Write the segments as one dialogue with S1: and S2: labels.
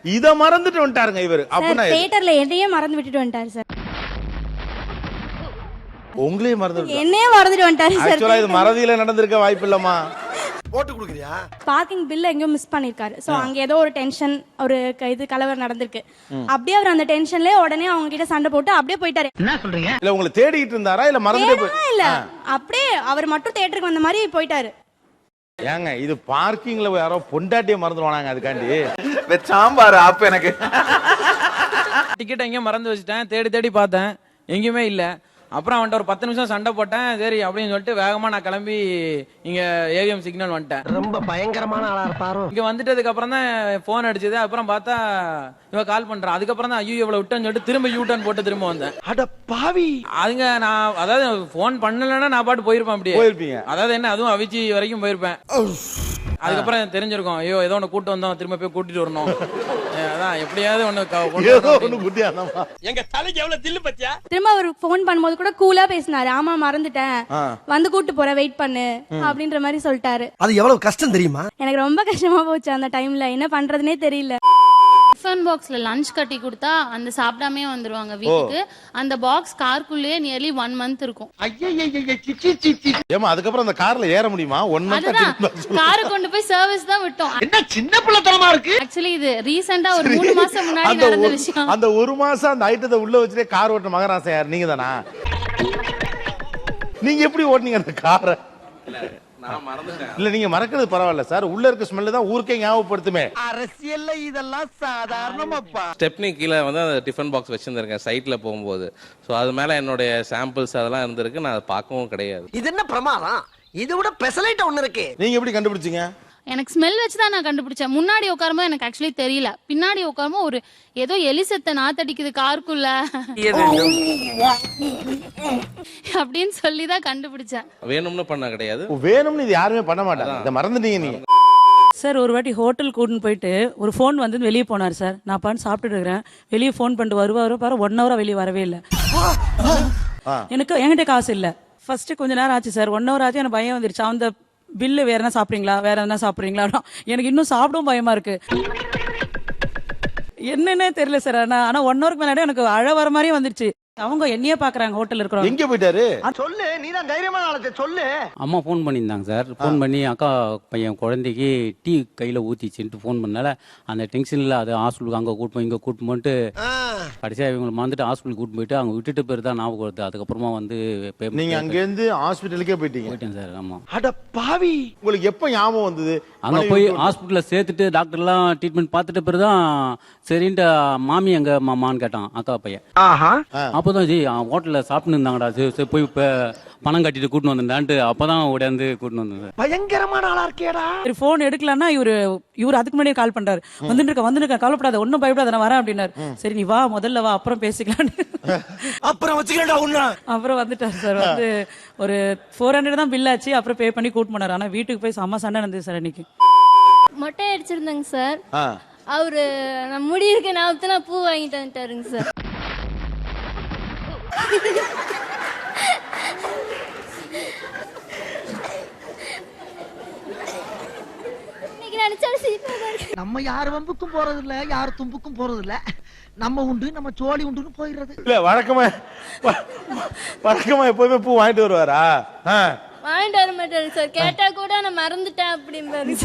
S1: இத மறந்துட்டு வந்துட்டாருங்க இவரு.
S2: அப்பனா தியேட்டர்ல என்னையே மறந்து விட்டுட்டு வந்துட்டாரு சார்.
S1: உங்களையே மறந்துட்டு
S2: என்னையே மறந்துட்டு வந்துட்டாரு சார்.
S1: ஆக்சுவலா இது மறதியில நடந்திருக்க வாய்ப்பு இல்லம்மா.
S3: போட்டு குடுக்குறியா?
S2: பார்க்கிங் பில் எங்கேயோ மிஸ் பண்ணிருக்காரு. சோ அங்க ஏதோ ஒரு டென்ஷன், ஒரு இது கலவரம் நடந்திருக்கு. அப்படியே அவர் அந்த டென்ஷன்லயே உடனே அவங்க கிட்ட சண்டை போட்டு அப்படியே போயிட்டாரு.
S4: என்ன சொல்றீங்க?
S1: இல்ல உங்களை தேடிட்டு இருந்தாரா இல்ல மறந்துட்டே
S2: இல்ல அப்படியே அவர் மட்டும் தியேட்டருக்கு வந்த மாதிரி போயிட்டாரு.
S1: ஏங்க இது பார்க்கிங்ல யாரோ பொண்டாட்டியை மறந்துடுவானாங்க அதுக்காண்டி
S3: சாம்பார் அப்ப எனக்கு
S5: டிக்கெட் எங்கேயும் மறந்து வச்சுட்டேன். தேடி தேடி பார்த்தேன், எங்கேயுமே இல்லை. அப்புறம் அவன்கிட்ட ஒரு 10 நிமிஷம் சண்டை போட்டேன். சரி அப்படின்னு சொல்லிட்டு வேகமா நான் கிளம்பி இங்க ஏவிஎம் சிக்னல் வந்துட்டேன்.
S4: ரொம்ப பயங்கரமான ஆளா இருப்பாரோ.
S5: இங்க வந்துட்டதுக்கு அப்புறம் தான் போன் அடிச்சது. அப்புறம் பார்த்தா இவன் கால் பண்றான். அதுக்கப்புறம் தான் ஐயோ இவ்வளவு விட்டேன்னு சொல்லிட்டு திரும்ப யூ-டர்ன் போட்டு திரும்ப வந்தேன்.
S3: அட பாவி.
S5: அதுங்க நான் அதாவது போன் பண்ணலன்னா நான் பாட்டு போயிருப்பேன். அப்படியே
S1: போயிருப்பீங்க.
S5: அதாவது என்ன, அதுவும் அவிச்சி வரைக்கும் போயிருப்பேன். அதுக்கப்புறம் தெரிஞ்சிருக்கும், ஐயோ ஏதோ ஒண்ணு கூட்டு வந்தோம், திரும்ப போய் கூட்டிட்டு வரணும். அதான் எப்படியாவது ஒண்ணு
S1: குட்டியானமா.
S3: எங்க தலைக்கு எவ்வளவு தில்லு பத்தியா?
S2: திரும்ப அவர் போன் பண்ணும்போது கூட கூலா பேசினாரு. ஆமா மறந்துட்டேன், வந்து கூட்டு போற, வெயிட் பண்ணு அப்படின்ற மாதிரி சொல்லிட்டாரு.
S3: அது எவ்வளவு கஷ்டம் தெரியுமா?
S2: எனக்கு ரொம்ப கஷ்டமா போச்சு அந்த டைம்ல. என்ன பண்றதுனே தெரியல.
S6: டிஃபன் பாக்ஸ்ல லஞ்ச் கட்டி கொடுத்தா அந்த சாப்பிடாமே வந்துருவாங்க வீட்டுக்கு. அந்த பாக்ஸ் காருக்குள்ளேயே நியர்லி 1 month இருக்கும்.
S1: ஏமா அதுக்கப்புறம் அந்த கார்ல ஏற முடியுமா? 1 month
S6: காரை கொண்டு போய் சர்வீஸ் தான் விட்டோம்.
S3: என்ன சின்ன பிள்ளைத்தனமா இருக்கு.
S6: ஆக்சுவலி இது ரீசெண்டா ஒரு 3 மாசம் முன்னாடி நடந்த விஷயம்.
S1: அந்த 1 மாசம் அந்த ஐட்டத்தை உள்ள வச்சுட்டே கார் ஓட்ட மகராசா யார்? நீங்க தானா? நீங்க எப்படி ஓட்டுனீங்க அந்த காரை? இல்ல நீங்க மறக்கிறது பரவாயில்ல சார். உள்ள இருக்க ஸ்மெல் தான் ஊருக்கே ஞாபகப்படுத்துமே.
S3: அரசியல்ல இதெல்லாம் சாதாரணமாப்பா.
S7: ஸ்டெப்னி கீழே வந்து அந்த டிஃபன் பாக்ஸ் வச்சிருந்திருக்கேன் சைட்ல போகும்போது. ஸோ அது மேல என்னுடைய சாம்பிள்ஸ் அதெல்லாம் இருந்திருக்கு. நான் அதை பார்க்கவும் கிடையாது.
S4: இது என்ன பிரமாதம்? இதை விட பெசலைட் ஒண்ணு இருக்கு.
S1: நீங்க எப்படி கண்டுபிடிச்சீங்க?
S6: எனக்கு ஸ்மெல் வச்சு தான் நான் கண்டுபிடிச்சேன். முன்னாடி உட்காரும்போது எனக்கு ஆக்சுவலி தெரியல. பின்னாடி உட்காரும்போது ஒரு ஏதோ எலிசத்தை நாத்தடிக்குது காருக்குள்ள அப்படின்னு சொல்லி தான் கண்டுபிடிச்சேன்.
S7: வேணும்னு பண்ண கிடையாது.
S1: வேணும்னு இது யாருமே பண்ண மாட்டாங்க. இதை மறந்துட்டீங்க நீங்க.
S8: சார் ஒரு வாட்டி ஹோட்டல் கூட்டின்னு போயிட்டு ஒரு ஃபோன் வந்து வெளியே போனார் சார். நான் பாட்டு சாப்பிட்டுட்டு இருக்கிறேன். வெளியே ஃபோன் பண்ணிட்டு வருவாரு பாரு, 1 hour வெளியே வரவே இல்லை. எனக்கு என்கிட்ட காசு இல்லை. ஃபர்ஸ்ட் கொஞ்ச நேரம் ஆச்சு சார், 1 hour ஆச்சு. எனக்கு பயம் வந்துருச்சு. அந்த பில்லு வேற என்ன சாப்பிட்றீங்களா, வேற என்ன சாப்பிட்றீங்களா? எனக்கு இன்னும் சாப்பிடவும் பயமா இருக்கு. என்னன்னே தெரியல சார். ஆனா 1 hour முன்னாடி எனக்கு அழ வர மாதிரியே வந்துருச்சு. அவங்க என்னையே பாக்குறாங்க ஹோட்டல் இருக்கிறவங்க.
S1: எங்க போயிட்டாரு?
S3: சொல்லு, நீ தான் தைரியமான ஆளு, சொல்லு.
S9: அம்மா ஃபோன் பண்ணியிருந்தாங்க சார். ஃபோன் பண்ணி அக்கா பையன் குழந்தைக்கு டீ கையில் ஊற்றிச்சுன்ட்டு ஃபோன் பண்ணால அந்த டென்ஷனில் அது ஹாஸ்பிட்டலுக்கு அங்கே கூட்டு போய் இங்கே கூட்டு போயிட்டு கடைசியாக இவங்களை மறந்துட்டு ஹாஸ்பிட்டலுக்கு கூட்டு போயிட்டு அவங்க விட்டுட்டு பேர் தான் ஞாபகம் வருது. அதுக்கப்புறமா வந்து
S1: நீங்க அங்கேருந்து ஹாஸ்பிட்டலுக்கே போயிட்டேன்
S9: சார். ஆமாம்.
S3: அட பாவி.
S1: உங்களுக்கு எப்போ ஞாபகம் வந்தது?
S9: அங்கே போய் ஹாஸ்பிட்டலில் சேர்த்துட்டு டாக்டர்லாம் ட்ரீட்மெண்ட் பார்த்துட்டு பேர் தான் சரின்ட்டு மாமி எங்க மாமான்னு கேட்டான் அக்கா பையன். அப்போதான் ஜி ஹோட்டலில் சாப்பிட்டு இருந்தாங்கடா, சரி போய் இப்போ பணம் கட்டிட்டு கூட்டின்னு வந்துட்டான்ட்டு அப்பதான் உடையாந்து கூட்டின்னு வந்தேன்.
S3: பயங்கரமான ஆளா இருக்கேடா.
S8: சரி ஃபோன் எடுக்கலன்னா இவரு அதுக்கு முன்னாடியே கால் பண்றாரு. வந்துருக்க கவலைப்படாத, ஒன்னும் பயப்படாத, நான் வரேன் அப்படின்னாரு. சரி நீ வா, முதல்ல வா, அப்புறம் பேசிக்கலாம்.
S3: அப்புறம் வச்சுக்கடா உன்ன.
S8: அப்புறம் வந்துட்டாரு சார். வந்து ஒரு 400 தான் பில் ஆச்சு. அப்புறம் பே பண்ணி கூட்டு போனாரு. ஆனா வீட்டுக்கு போய் செம்ம சண்டை நடந்தது சார் அன்னைக்கு.
S2: மொட்டை அடிச்சிருந்தேங்க சார். அவரு நான் முடி இருக்க ஞாபகத்துல பூ வாங்கிட்டு வந்துட்டாருங்க சார்.
S4: நம்ம யார் வம்புக்கும் போறது இல்ல, யார் தும்புக்கும் போறது இல்ல. நம்ம உண்டு, நம்ம சோழி உண்டுன்னு போயிடுறது.
S1: இல்ல வழக்கமா எப்பவுமே பூ வாங்கிட்டு வருவாரா?
S2: வாங்கிட்டு வர மாட்டாரு சார். கேட்டா கூட நான் மறந்துட்டேன் அப்படிம்பாரு.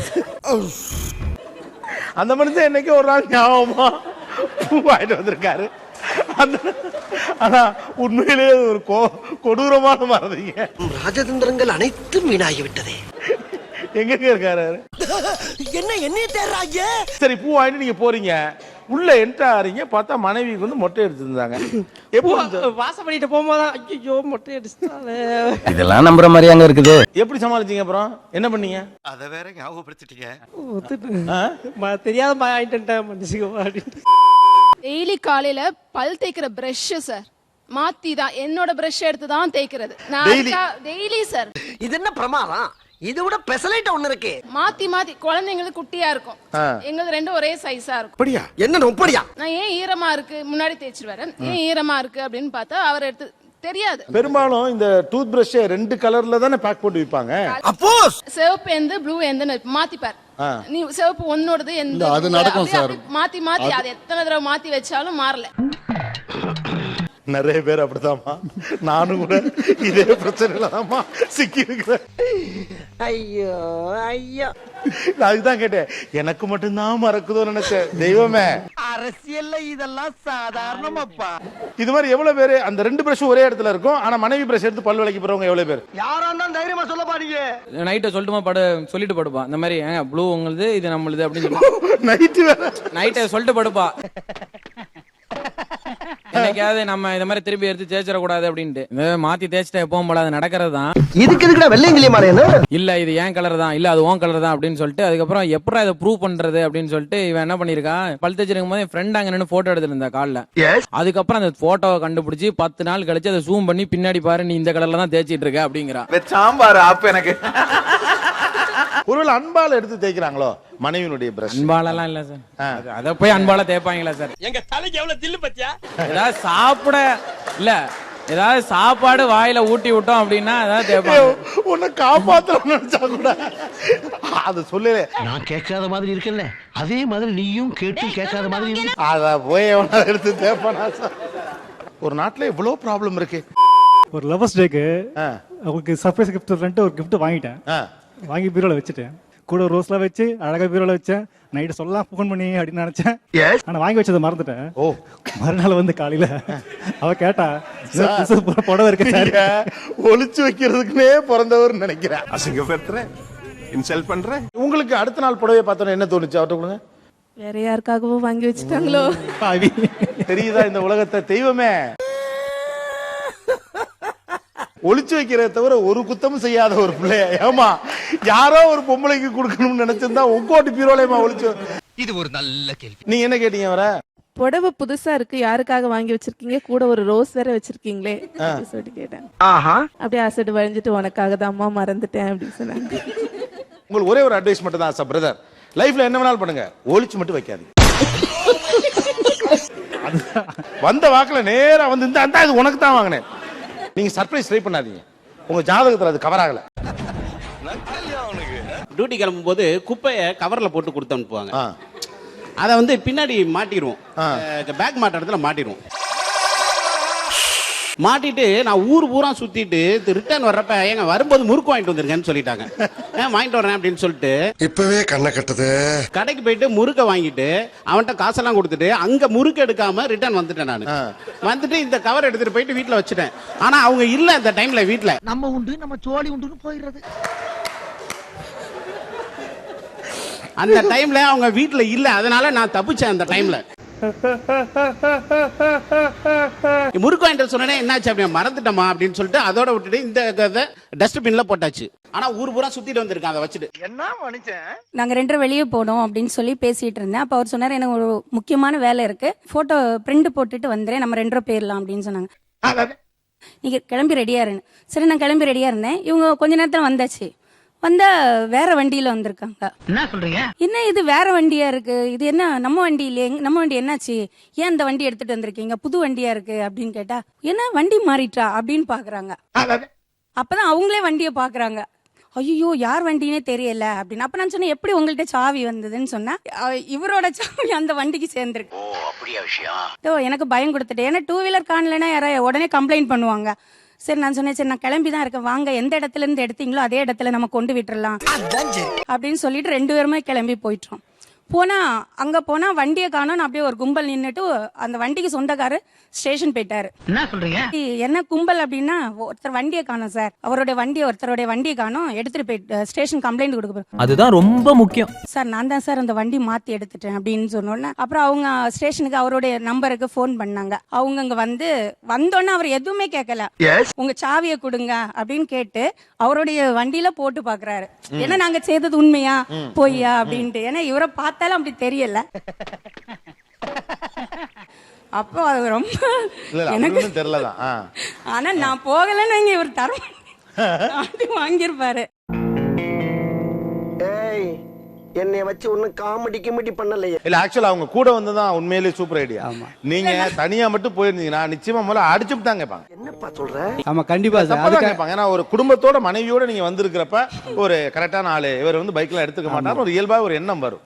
S1: அந்த மனுஷன் என்னைக்கு ஒரு நாள் ஞாபகமா பூ வாங்கிட்டு வந்திருக்காரு. ஆனா உண்மையிலேயே ஒரு கொடூரமான மறதிங்க.
S4: ராஜதந்திரங்கள் அனைத்தும் வீணாகிவிட்டதே.
S1: எங்க இருக்காரு?
S4: என்ன என்னைய தேடுறாங்க?
S1: சரி பூ வாங்கிட்டு நீங்க போறீங்க, உள்ள என்ட்ரு ஆறீங்க, பார்த்தா மனைவிக்கு வந்து மொட்டை எடுத்துருந்தாங்க.
S8: வாசம் பண்ணிட்டு போகும்போது ஐயோ மொட்டை அடிச்சிட்டாலே.
S4: இதெல்லாம் நம்புற மாதிரி அங்க இருக்குது.
S1: எப்படி சமாளிச்சீங்க? அப்புறம் என்ன பண்ணீங்க?
S3: அத வேற ஞாபகப்படுத்திட்டீங்க.
S8: தெரியாத ஆயிட்டேன் மனுஷங்க.
S10: டெய்லி காலையில பல் தேய்க்கிற பிரஷ் சார் மாத்தி தான் என்னோட பிரஷ் எடுத்து தான் தேய்க்கிறது. Daily sir.
S4: இது என்ன பிரமாதம்? இது விட பெசலைட் ஒண்ணு இருக்கு.
S10: மாத்தி மாத்தி குழந்தைங்களுக்கு குட்டியா இருக்கும், எங்களுக்கு ரெண்டும் ஒரே சைஸா இருக்கும்.
S3: அப்படியா? என்ன நொப்படியா?
S10: நான் ஏன் ஈரமா இருக்கு முன்னாடி தேய்ச்சிருவாரு, ஏன் ஈரமா இருக்கு அப்படின்னு பார்த்தா அவர் எடுத்து தெரியாது.
S1: பெரும்பாலும் இந்த டூத் பிரஷ் 2 கலர்ல தானே பேக் போட்டு விப்பாங்க.
S10: அப்போ சிவப்பு எந்த ப்ளூ எந்த மாத்திப்பார். நீ சிவப்பு ஒன்னோடது எந்த
S11: அது நடக்கும் சார்.
S10: மாத்தி மாத்தி அது எத்தனை தடவை மாத்தி வச்சாலும் மாறல.
S1: நிறைய பேர் அப்படிதாம்மா, நானும் கூட இதே பிரச்சனையில தான்மா சிக்கி இருக்கிறேன்.
S3: ஐயோ ஐயோ,
S1: நான் அதுதான் கேட்டேன், எனக்கு மட்டும்தான் மறக்குதோ நினைச்சேன். தெய்வமே,
S3: அரசியல்ல இதெல்லாம் சாதாரணமாப்பா.
S1: இது மாதிரி எவ்வளவு பேரு அந்த 2 பிரஷும் ஒரே இடத்துல இருக்கும், ஆனா மனைவி பிரஷ் எடுத்து பல் விளக்கி போறவங்க எவ்வளவு பேர்?
S3: யாரா இருந்தாலும் தைரியமா சொல்ல பாருங்க.
S5: நைட்டை சொல்லிட்டு படுப்பா, இந்த மாதிரி ப்ளூ உங்களுது இது நம்மளுது அப்படின்னு
S1: நைட்டு வேற
S5: நைட்டை சொல்லிட்டு படுப்பா. என்னைக்காவது நம்ம இந்த மாதிரி திருப்பி எடுத்து தேய்ச்சிடக்கூடாது அப்படின்ட்டு மாத்தி தேய்ச்சிட்டா எப்பவும் போல அது நடக்கிறது தான்.
S3: இதுக்கு எதுக்குடா வெள்ளையங்கிலி மாறேன்னு?
S5: இல்ல இது ஏன் கலர் தான், இல்ல அது ஓன் கலர் தான் அப்படின்னு சொல்லிட்டு அதுக்கப்புறம் எப்படா இதை ப்ரூவ் பண்றது அப்படின்னு சொல்லிட்டு இவன் என்ன பண்ணிருக்கான், பல் தேய்ச்சிருக்கும் போது என் ஃப்ரெண்ட் அங்க நின்று போட்டோ எடுத்திருந்தா கால்ல. அதுக்கப்புறம் அந்த போட்டோவை கண்டுபிடிச்சு 10 நாள் கழிச்சு அதை ஜூம் பண்ணி பின்னாடி பாரு நீ இந்த கலர்ல தான் தேய்ச்சிட்டு இருக்க அப்படிங்கிறான்.
S3: சாம்பார் ஆப் எனக்கு.
S1: ஒருவேளை அன்பால எடுத்து தேய்க்கிறாங்களோ மனைவியினுடைய பிரஷ்?
S5: அன்பாலெல்லாம் இல்ல சார், அத போய் அன்பால தேய்ப்பாங்களா சார்?
S3: எங்க தலைக்கு எவ்வளவு தில்லு பத்தியா?
S5: ஏதாவது சாப்பிட இல்ல ஏதாவது சாப்பாடு வாயில ஊட்டி விட்டோம் அப்படின்னா ஏதாவது தேய்ப்பாங்க.
S1: உன்னை காப்பாத்தணும்னு நினைச்சா கூட அது சொல்லல.
S3: நான் கேட்காத மாதிரி இருக்கேன்ல, அதே மாதிரி நீயும் கேட்டு கேட்காத மாதிரி இருக்கு.
S1: அத போய் எவனா எடுத்து தேய்ப்பானா சார்? ஒரு நாட்டுல இவ்வளவு ப்ராப்ளம் இருக்கு.
S12: ஒரு லவர்ஸ் டேக்கு அவங்களுக்கு சர்ப்ரைஸ் கிஃப்ட் ஒரு கிஃப்ட் வாங்கிட்டேன். வாங்கி பீரோல வச்சுட்டேன். கூட ரோஸ்லாம் வச்சு அழகா பீரோல வச்சேன். நைட்டு சொல்லலாம் ஃபோன் பண்ணி அப்படின்னு நினைச்சேன். ஆனா வாங்கி வச்சதை மறந்துட்டேன். மறுநாள் வந்து காலையில அவ கேட்டா புடவை இருக்க
S1: ஒளிச்சு வைக்கிறதுக்குனே பிறந்தவர் நினைக்கிறேன்.
S11: அசிங்கப்படுத்துறேன், இன்சல்ட் பண்றேன்.
S1: உங்களுக்கு அடுத்த நாள் புடவை பார்த்தோன்னு என்ன தோணுச்சு அவர்கிட்ட கொடுங்க?
S10: வேற யாருக்காகவும் வாங்கி வச்சுட்டாங்களோ
S1: தெரியுதா இந்த உலகத்தை? தெய்வமே, ஒளிச்சு வைக்கிறத தவிர ஒரு குத்தமும் செய்யாத ஒரு பிள்ளைய ஏமா யாரோ ஒரு பொம்பளைக்கு கொடுக்கணும்னு நினைச்சிருந்தா உங்கோட்டு பீரோலையுமா ஒளிச்சு.
S3: இது ஒரு நல்ல கேள்வி.
S1: நீங்க என்ன கேட்டீங்க வர?
S10: புடவை புதுசா இருக்கு, யாருக்காக வாங்கி வச்சிருக்கீங்க, கூட ஒரு ரோஸ் வேற வச்சிருக்கீங்களே அப்படின்னு சொல்லிட்டு கேட்டேன். அப்படியே அசடு வழிஞ்சிட்டு உனக்காக தான் அம்மா மறந்துட்டேன் அப்படின்னு சொன்னாங்க.
S1: உங்களுக்கு ஒரே ஒரு அட்வைஸ் மட்டும் தான் சார் பிரதர், லைஃப்ல என்ன வேணாலும் பண்ணுங்க, ஒளிச்சு மட்டும் வைக்காதீங்க. வந்த வாக்குல நேரா வந்து இந்த அந்த இது உனக்கு தான் வாங்கினேன், நீங்க சர்ப்ரைஸ் ட்ரை பண்ணாதீங்க. உங்க ஜாதகத்துல அது கவர் ஆகல.
S13: டியூட்டி கிளம்பும் போது குப்பையை கவர்ல போட்டு கொடுத்து அனுப்புவாங்க. அதை வந்து பின்னாடி மாட்டிடுவோம், பேக் மாட்ட இடத்துல மாட்டிடுவோம். மாட்டிட்டு நான் ஊர் பூரா சுத்திட்டு ரிட்டர்ன் வர்றப்ப எங்க வரும்போது முறுக்கு வாங்கிட்டு வந்துருங்கன்னு சொல்லிட்டாங்க. வாங்கிட்டு வரேன் அப்படின்னு சொல்லிட்டு
S11: இப்பவே கண்ணை கட்டுது.
S13: கடைக்கு போயிட்டு முறுக்க வாங்கிட்டு அவன்கிட்ட காசெல்லாம் கொடுத்துட்டு அங்க முறுக்கு எடுக்காம ரிட்டர்ன் வந்துட்டேன். நான் வந்துட்டு இந்த கவர் எடுத்துட்டு போயிட்டு வீட்டுல வச்சுட்டேன். ஆனா அவங்க இல்ல இந்த டைம்ல வீட்டுல.
S4: நம்ம உண்டு நம்ம சோழி உண்டுன்னு போயிடுறது.
S13: அந்த டைம்ல அவங்க வீட்டுல இல்ல, அதனால நான் தப்பிச்சேன். அந்த டைம்ல முறுக்கு வாங்கிட்டு சொன்னே என்னாச்சு அப்படின்னு மறந்துட்டமா அப்படின்னு சொல்லிட்டு அதோட விட்டுட்டு இந்த டஸ்ட்பின்ல போட்டாச்சு. ஆனா ஊர் பூரா சுத்திட்டு வந்திருக்கேன் அதை வச்சுட்டு.
S3: என்ன மனுஷன்?
S2: நாங்க 2 வெளியே போனோம் அப்படின்னு சொல்லி பேசிட்டு இருந்தேன். அப்ப அவர் சொன்னாரு எனக்கு ஒரு முக்கியமான வேலை இருக்கு, போட்டோ பிரிண்ட் போட்டுட்டு வந்துறேன், நம்ம 2 போயிடலாம் அப்படின்னு சொன்னாங்க. நீங்க கிளம்பி ரெடியா இருன்னு. சரி நான் கிளம்பி ரெடியா இருந்தேன். இவங்க கொஞ்ச நேரத்துல வந்தாச்சு. வந்தா வேற வண்டியில வந்திருக்காங்க.
S4: என்ன சொல்றீங்க?
S2: என்ன இது வேற வண்டியா இருக்கு, இது என்ன நம்ம வண்டி இல்லையே, நம்ம வண்டி என்னாச்சு, ஏன் இந்த வண்டி எடுத்துட்டு வந்திருக்கீங்க, புது வண்டியா இருக்கு அப்படின்னு கேட்டா என்ன வண்டி மாறிட்டா அப்படின்னு பாக்குறாங்க. அப்பதான் அவங்களே வண்டியை பாக்குறாங்க. ஐயோ யார் வண்டினே தெரியல அப்படின்னு. அப்ப நான் சொன்னேன் எப்படி உங்கள்ட்ட சாவி வந்ததுன்னு சொன்னா இவரோட சாவி அந்த வண்டிக்கு சேர்ந்துருக்கு. எனக்கு பயம் கொடுத்துட்டு, ஏன்னா 2 வீலர் காணலன்னா யாராவது உடனே கம்ப்ளைண்ட் பண்ணுவாங்க. சரி நான் சொன்னேன், சரி நான் கிளம்பி தான் இருக்கேன், வாங்க எந்த இடத்துல இருந்து எடுத்தீங்களோ அதே இடத்துல நம்ம கொண்டு விட்டுறலாம் அப்படின்னு சொல்லிட்டு 2 பேருமே கிளம்பி போயிட்டோம். போனா அங்க போனா வண்டியை காணோம். அப்படியே ஒரு கும்பல் நின்னுட்டு அந்த வண்டிக்கு சொந்தக்காரு ஸ்டேஷன் போயிட்டாரு.
S4: என்ன சொல்றீங்க?
S2: என்ன கும்பல் அப்படின்னா, ஒருத்தர் வண்டியை காணோம் சார், ஒருத்தருடைய வண்டியை காணோம், எடுத்துட்டு போயிட்டு ஸ்டேஷன் கம்ப்ளைண்ட் கொடுக்க.
S5: அதுதான் ரொம்ப முக்கியம்
S2: சார். நான் தான் சார் அந்த வண்டி மாத்தி எடுத்துட்டேன் அப்படின்னு சொன்னோன்னே அப்புறம் அவங்க ஸ்டேஷனுக்கு அவருடைய நம்பருக்கு போன் பண்ணாங்க. அவங்க அங்க வந்தோன்னே அவர் எதுவுமே கேட்கல, உங்க சாவியை கொடுங்க அப்படின்னு கேட்டு அவருடைய வண்டியில போட்டு பாக்குறாரு. ஏன்னா நாங்க செய்தது உண்மையா பொய்யா அப்படின்ட்டு. ஏன்னா இவரை பார்த்தாலும் அப்படி தெரியல. அப்போ அது ரொம்ப எனக்கு
S1: தெரியலதான்.
S2: ஆனா நான் போகலன்னு இவர் தர வாங்கிருப்பாரு.
S4: என்னைய வச்சு ஒன்னும் காமெடி கிமெடி பண்ணலையே.
S1: இல்ல ஆக்சுவலா அவங்க கூட வந்ததான் உண்மையிலேயே சூப்பர் ஐடியா. நீங்க தனியா மட்டும் போயிருந்தீங்கன்னா நிச்சயமா முதல்ல அடிச்சுட்டு தான் கேட்பாங்க.
S4: என்னப்பா சொல்ற?
S14: ஆமா கண்டிப்பா சார்.
S1: அதுக்கு கேட்பாங்க. ஏன்னா ஒரு குடும்பத்தோட மனைவியோட நீங்க வந்திருக்கிறப்ப ஒரு கரெக்டான ஆளு இவர் வந்து பைக்ல எடுத்துக்க மாட்டாரு, ஒரு இயல்பா ஒரு எண்ணம் வரும்.